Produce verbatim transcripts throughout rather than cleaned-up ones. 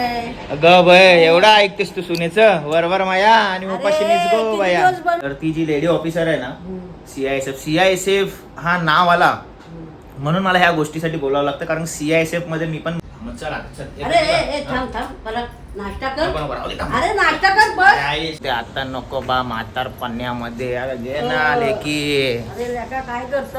ग बय एवढा ऐकतेस तू सुनेचं वरवर माया आणि उपाशीनीच गो बाया. तर ती जी लेडी ऑफिसर आहे ना सीआयएसएफ सीआयएसएफ हा नाव आला म्हणून मला ह्या गोष्टीसाठी बोलावं लागतं कारण सीआयएसएफ मध्ये मी पण चला अरे ए थांब थांब परत नाश्ता कर. अरे नाश्ता कर बस. ते आता नको बा म्हातार पन्न्यामध्ये आले की अरे लेका काय करतो.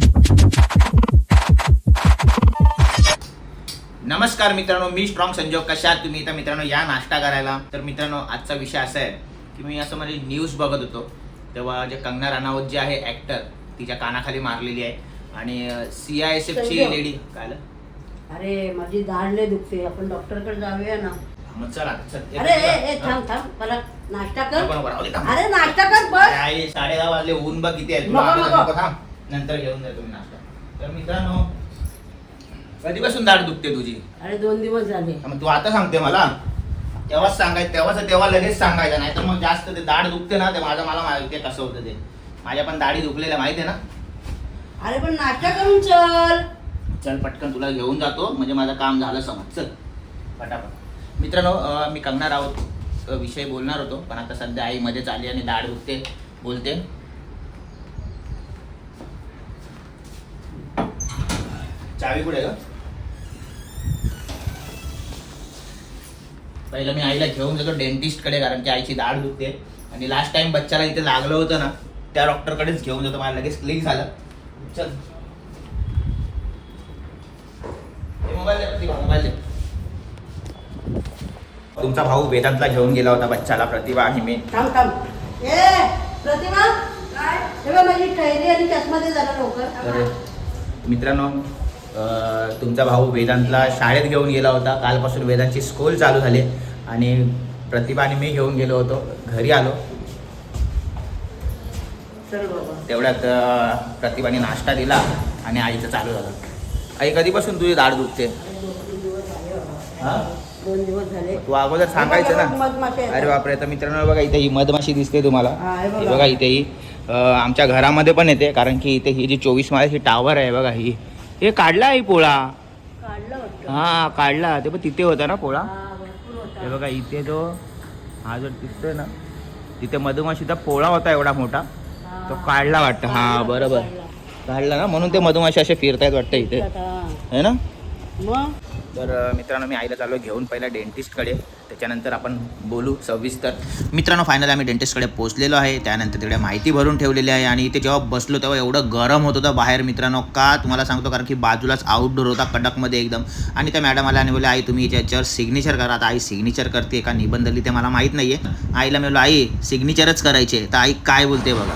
नमस्कार मित्रांनो, मी स्ट्रॉंग संजोग. कशा आहात तुम्ही? तर मित्रांनो या नाश्ता करायला. तर मित्रांनो आजचा विषय असा आहे की मी असं म्हणजे न्यूज बघत होतो तेव्हा जे कंगना रनौत जी आहे ऍक्टर तिच्या कानाखाली मारलेली आहे आणि सीआयएसएफ ची लेडी काय. अरे माझी दाढ लय दुखते, आपण डॉक्टर कडे जाऊया ना. मग चला. अरे ए थांब थांब परत नाश्ता कर. अरे अरे नाश्ता कर बस. साडे दहा वाजले, ऊन बघ किती आहे. नंतर घेऊन जा तुम्ही नाश्ता. तर मित्रांनो कधीपासून दाढ दुखते तुझी? अरे दोन दिवस झाले. मग तू आता सांगते मला? तेव्हाच सांगायचं, तेव्हाच तेव्हा लगेच सांगायचं, नाही तर मग जास्त ते दाढ दुखते ना ते माझं मला माहिती आहे कसं होतं ते. माझ्या पण दाढी दुखलेल्या माहिती आहे ना. अरे पण नाश्ता करून चल. चल पटकन तुला घेऊन जातो म्हणजे माझं काम झालं समज. चल पटापट. मित्रांनो मी कंगना राऊत विषयी बोलणार होतो पण आता सध्या आई मध्येच आली आणि दाढ दुखते बोलते. चावी कुठे ग? पहिलं मी आईला घेऊन जातो डेंटिस्ट कडे कारण की आईची दाढ दुखते आणि लास्ट टाइम बच्चाला इथे लागलं होतं ना त्या डॉक्टर कडेच घेऊन जातो. मला लगेच क्लिक झालं. चल मोबाईल दे, मोबाईल दे. तुमचा भाऊ वेदांतला घेऊन गेला होता बच्चाला, प्रतिभा आणि मी. थांब थांब. ए प्रतिभा काय तेव्हा माझी टैरी आणि चष्मा दे जरा लवकर. मित्रांनो तुमचा भाऊ वेदांतला शाळेत घेऊन गेला होता. कालपासून वेदांतची स्कूल चालू झाली आणि प्रतिभा आणि मी घेऊन गेलो होतो. घरी आलो तेवढ्यात प्रतिभाने नाश्ता दिला आणि आईचं चालू झालं. आई कधीपासून तुझी दाढ दुखते? दोन दिवस झाले. तू अगोदर सांगायचं ना. अरे बापरे. तर मित्रांनो बघा इथे ही मधमाशी दिसते तुम्हाला. हे बघा इथे ही आमच्या घरामध्ये पण येते कारण की इथे ही जी चोवीस माळ्याची टावर आहे बघा ही हे काढला आहे पोळा. हा काढला. ते पण तिथे होता ना पोळा. हे बघा इथे जो हा जो दिसतोय ना तिथे मधमाशीचा पोळा होता एवढा मोठा तो काढला वाटतं. हा बरोबर काढला ना म्हणून ते मधमाशी असे फिरतायत वाटतं इथे है ना. मग तर मित्रांनो मी आईला चाललो घेऊन पहिला डेंटिस्टकडे, त्याच्यानंतर आपण बोलू सविस्तर. मित्रांनो फायनल आम्ही डेंटिस्टकडे पोहोचलेलो आहे. त्यानंतर तिकडे माहिती भरून ठेवलेली आहे आणि इथे जेव्हा बसलो तेव्हा एवढं गरम होत होतं बाहेर मित्रांनो. का तुम्हाला सांगतो कारण की बाजूलाच आउटडोर होता कडकमध्ये एकदम. आणि त्या मॅडम आल्या आणि बोलले आई तुम्ही याच्यावर सिग्नेचर करा. आता आई सिग्नेचर करते का निबंध लिहिते मला माहीत नाही आहे. आईला मी बोललो आई सिग्नेचरच करायचे. तर आई काय बोलते बघा.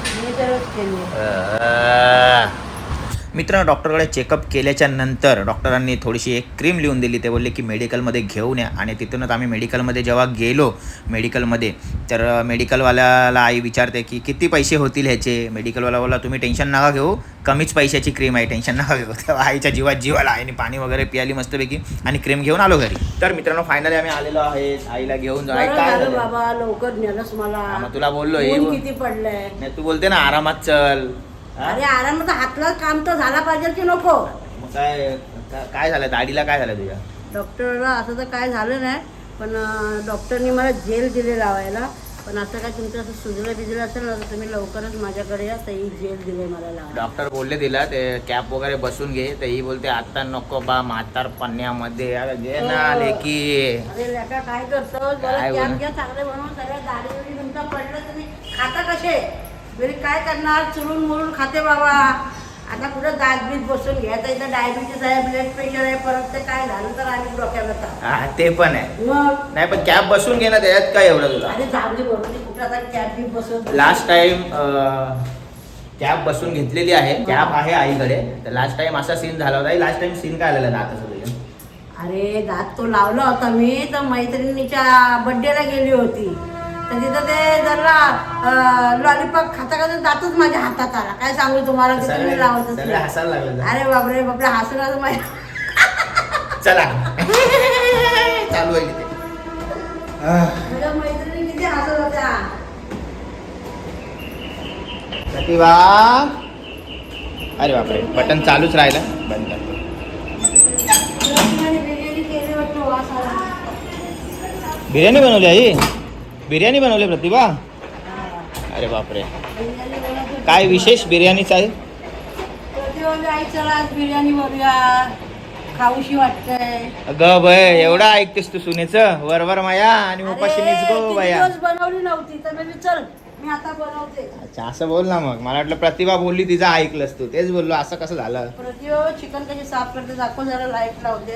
मित्रांनो डॉक्टरकडे चेकअप केल्याच्या नंतर डॉक्टरांनी थोडीशी एक क्रीम लिहून दिली. ते बोलले की मेडिकलमध्ये घेऊन या आणि तिथूनच आम्ही मेडिकलमध्ये जेव्हा गेलो मेडिकलमध्ये तर मेडिकलवाल्याला आई विचारते की किती पैसे होतील ह्याचे. मेडिकलवाला बोला तुम्ही टेन्शन नका घेऊ, कमीच पैशाची क्रीम आहे, टेन्शन नका घेऊ. तेव्हा आईच्या जीवात जीवाला आईने पाणी वगैरे पियाली मस्तपैकी आणि क्रीम घेऊन आलो घरी. तर मित्रांनो फायनली आम्ही आलेलो आहे. आईला घेऊन जाऊ. काय बाबा लवकर नेलंस मला. मग तुला बोललो किती पडलंय. नाही तू बोलते ना आरामात चल. अरे आरामात हातला काम तर झाला पाहिजे की नको. काय काय झालं दाढीला? काय झालं तुझ्या? डॉक्टरला असं तर काय झालं नाही पण डॉक्टरनी मला जेल दिले लावायला. पण असं काय तुमचं असं सुजलं बिजलं असेल ना तर तुम्ही लवकरच माझ्याकडे या. तर ही जेल दिले मला लावायला. डॉक्टर बोलले तिला ते कॅप वगैरे बसून घे. तर ही बोलते आता नको बा म्हातार पन्न्यामध्ये आले की. अरे लेका काय करतो कॅप घ्या चांगले म्हणून सगळ्या दाढी बिडी तुमचा पडलं तुम्ही खाता कसे घरी काय करणार चुरून मुरून खाते बाबा. आता कुठं दात बीत बसून घ्यायचं. इथं डायबिटीस आहे ब्लड प्रेशर आहे परत ते काय झालं तर आम्ही डोक्याला ते पण आहे. मग नाही पण कॅप बसून घे ना त्याच्यात काय एवढं तुला. अरे जाऊ बरोबर कुठं आता कॅप बीत बसून. लास्ट टाइम कॅप बसून घेतलेली आहे. कॅप आहे आईकडे. तर लास्ट टाइम असा सीन झाला होता. लास्ट टाइम सीन काय आलेला दाताचा तुझ्या? अरे दात तो लावला होता मी तर मैत्रिणीच्या बड्डेला गेली होती तर तिथं ते जरा लॉलीपॉप खाता खाता दातच माझ्या हातात आला. काय सांगू तुम्हाला तुम्ही लावत. अरे बापरे बापरे हसून असं माझ्या. चला चालू आहे तिथे. माझ्या मैत्रिणी किती हसत होत्या. प्रतिभा अरे बापरे बटन चालूच राहिलं बंद कर. बिर्याणी बनवली आई, बिर्याणी बनवली प्रतिभा. हा. अरे बापरे, बिर्याणी बनवत होती. काय विशेष बिर्याणीचं आहे? प्रतिभाने आई चला आज बिर्याणी बनवूया, खाऊशी वाटतंय. ग बय, एवढा ऐकतेस तू सुनेचं वरवर माया आणि उपाशीनीच अरे, गो किती बाया. दिवस बनवली नव्हती तर मी चल मी आता बनवते. अच्छा असं बोल ना मग. मला वाटलं प्रतिभा बोलली तिचं ऐकलंस तू, तेच बोललो. असं कसं झालं? प्रतिभा चिकन कशी साफ करते दाखव जरा, लाईट लावते.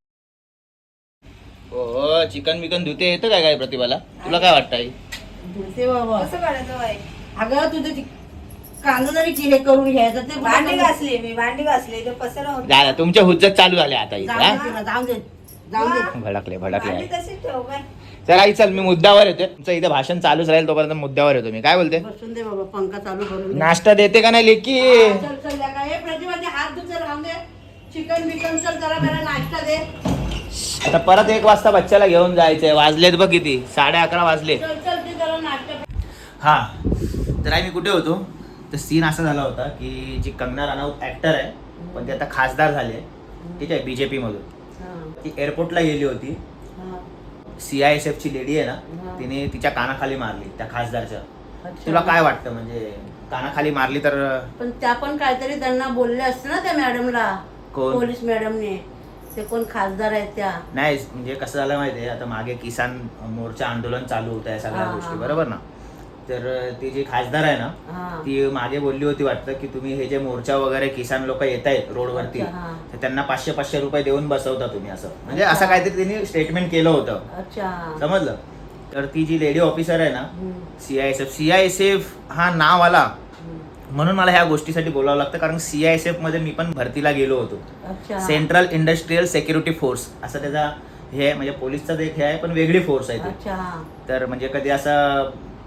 हो, चिकन बिकन धुते येतं काय काय प्रतिभाला? तुला काय वाटतं आई? धुते बाबा. कसं काढायचं बाई? अगं तुझे ती कांदा जरी किडे करून घ्यायचं ते भांडी घासली मी, भांडी घासली ते पसरा होती. झालं, तुमच्या हुज्जत चालू झाले आता इथे. जाऊ हा? दे तुला, जाऊ दे जाऊ दे. भडकले भांडी भडकले. तशीच ठेव काय. चल आई चल, मी मुद्द्यावर येते. तुमचं इथे भाषण चालूच राहील तोपर्यंत मुद्द्यावर येतो मी. काय बोलते? बसून दे बाबा, पंखा चालू करून दे. नाश्ता देते का नाही लेकी? हा, चल चल या काय प्रतिभाचे हात धुते, राहून दे. चिकन बिकन चल जरा जरा नाश्ता दे. आता परत एक वाजता बच्चाला घेऊन जायचंय. वाजलेत बघ किती, साडे अकरा वाजले. चल चल ते जरा नाश्ता. हा, तर आई मी कुठे होतो? तर सीन असा झाला होता की जी कंगना राणावत ऍक्टर आहे, पण ती आता खासदार झाली आहे, ठीक आहे, बीजेपी मधून. हा, ती एअरपोर्टला गेली होती. हा. सी आय एस एफ ची लेडी आहे ना, हा. तिने तिच्या कानाखाली मारली त्या खासदारच्या. अच्छा. तुला काय वाटतं, म्हणजे कानाखाली मारली तर? पण त्या पण काहीतरी त्यांना बोलले असते ना त्या मॅडमला, कोण? पोलीस मॅडमने. ते कोण खासदार आहेत त्या. नाही, म्हणजे कसं झालं माहितीये, आता मागे किसान मोर्चा आंदोलन चालू होतं या सगळ्या हा, गोष्टी, हा. बरोबर ना? तर ती जी खासदार आहे ना, हा. ती मागे बोलली होती वाटतं की तुम्ही हे जे मोर्चा वगैरे किसान लोक येत आहेत रोडवरती, अच्छा, हा. तर त्यांना पाचशे पाचशे रुपये देऊन बसवता तुम्ही, असं म्हणजे अच्छा. असं काहीतरी तिने स्टेटमेंट केलं होतं. अच्छा. समजलं? तर ती जी लेडी ऑफिसर आहे ना, हम्म, C I S F C I S F हा नाव आला हम्म. म्हणून मला ह्या गोष्टीसाठी बोलावं लागतं, कारण सी आय एस एफ मध्ये मी पण भरतीला गेलो होतो. अच्छा. सेंट्रल इंडस्ट्रियल सेक्युरिटी फोर्स असं त्याचा हे आहे, म्हणजे पोलीसचा एक हे आहे पण वेगळी फोर्स आहे ती. अच्छा. तर म्हणजे कधी असं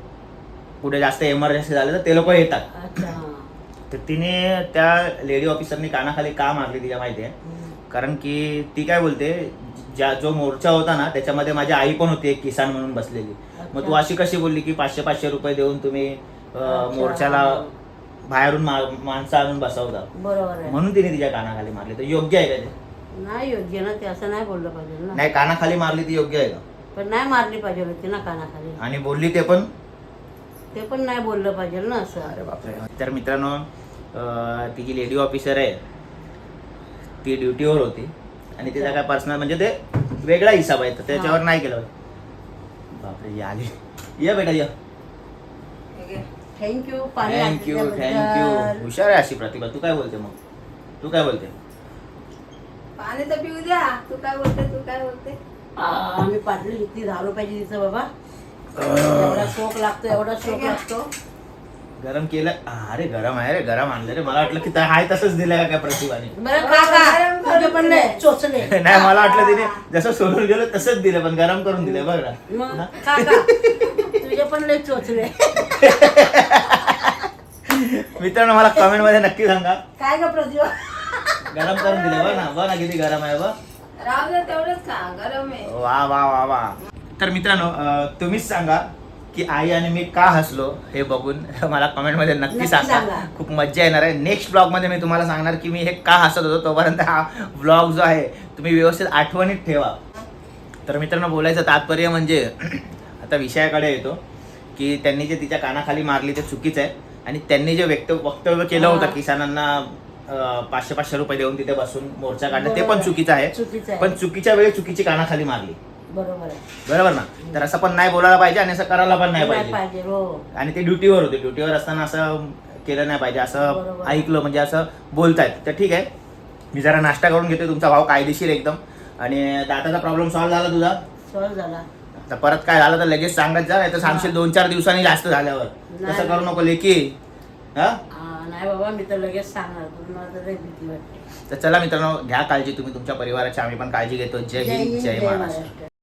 पुढे जास्त इमर्जन्सी झालं तर ते लोक येतात. अच्छा. तर तिने त्या लेडी ऑफिसरनी कानाखाली का मारली तिच्या माहिती आहे? हम्म. कारण की ती काय बोलते, ज्या जो मोर्चा होता ना त्याच्यामध्ये माझी आई पण होती एक किसान म्हणून बसलेली. मग तू अशी कशी बोलली की पाचशे पाचशे रुपये देऊन तुम्ही अं, अच्छा. मोर्चाला बाहेरून मा- माणसं आणून बसवता, बरोबर आहे. म्हणून तिने तिच्या कानाखाली मारली. तर योग्य आहे का ते? नाही योग्य ना ते, असं नाही बोललं पाहिजे ना. नाही, कानाखाली मारली ती योग्य आहे का? पण नाही मारली पाहिजे होती ना कानाखाली. आणि बोलली ते पण? ते पण नाही बोललं पाहिजे ना असं. अरे बापरे. तर मित्रांनो, अं, ती जी लेडी ऑफिसर आहे ती ड्युटीवर होती आणि तिचा काय पर्सनल म्हणजे ते वेगळा हिसाब आहे, तर त्याच्यावर नाही केलं पाहिजे. बापरे, या आली. ये बेटा ये. थँक्यू पाणी थँक्यू आणल्याबद्दल. थँक्यू. हुशार आहे अशी प्रतिभा. तू काय बोलते मग? तू काय बोलते? पाणी तर पिऊ द्या. तू काय बोलते, तू काय बोलते? आ, आम्ही पाटली घेतली दहा रुपयाची तिचं बाबा. एवढा शोक लागतो, एवढा शोक लागतो. गरम केलं? अरे गरम आहे रे, गरम आणलं रे. मला वाटलं की त्या- हाय तसंच दिलं का काय प्रतिभाने. बरं खा खा. तुझे पण नाही चोचले. नाही, मला वाटलं तिने जसं सोडून गेलं तसंच दिलं, पण गरम करून दिलं बघ ना. मग खा खा. तुझे पण लय चोचले. मित्रांनो, मला कमेंट मध्ये नक्की सांगा, काय ग प्रतिभा? गरम करून दिलं बघ ना, बघ ना किती गरम आहे बघ. राहू दे, तेवढंच खा, गरम आहे. वा वा वा वा. तर मित्रांनो, अं, तुम्हीच सांगा की आई आणि मी का हसलो हे बघून मला कमेंट मध्ये नक्की नक्की सांगा. सांगा. खूप मज्जा येणार आहे. नेक्स्ट ब्लॉग मध्ये मी तुम्हाला सांगणार की मी हे का हसत होतो. तोपर्यंत हा ब्लॉग जो आहे तुम्ही व्यवस्थित आठवणीत ठेवा. तर मित्रांनो, बोलायचं तात्पर्य म्हणजे आता विषयाकडे येतो की त्यांनी जे तिच्या कानाखाली मारली ते चुकीचं आहे, आणि त्यांनी जे व्यक्त वक्तव्य केलं होतं हा. किसानांना अं, पाचशे पाचशे रुपये देऊन तिथे बसून मोर्चा काढणं, ते बरोबर पण आहे. चुकीचं आहे. चुकीचं आहे. पण चुकीच्या वेळी चुकीची कानाखाली मारली. बरोबर आहे. बरोबर ना? तर असं पण नाही बोलायला पाहिजे आणि असं करायला पण नाही नाही पाहिजे. पाहिजे हो. आणि ते ड्युटीवर होते, ड्युटीवर असताना असं केलं नाही पाहिजे. असं बरोबर. ऐकलं म्हणजे असं बोलतायत तर ठीक आहे. मी जरा नाश्ता करून घेतो. तुमचा भाव कायदेशीर एकदम. आणि दाताचा प्रॉब्लेम सॉल्व्ह झाला तुझा? सॉल्व झाला. तर परत काय झालं तर लगेच सांगत जा, नाही तर सांगशील दोन चार दिवसांनी जास्त झाल्यावर. नाही, तसं करू नाही. नको लेकी. हा, आ, नाही बाबा, मी तर लगेच सांगणार. तुम्हाला तर लय भीती वाटते. तर चला मित्रांनो, घ्या काळजी तुम्ही तुमच्या परिवाराची. आम्ही पण काळजी घेतो. जय हिंद, जय महाराष्ट्र.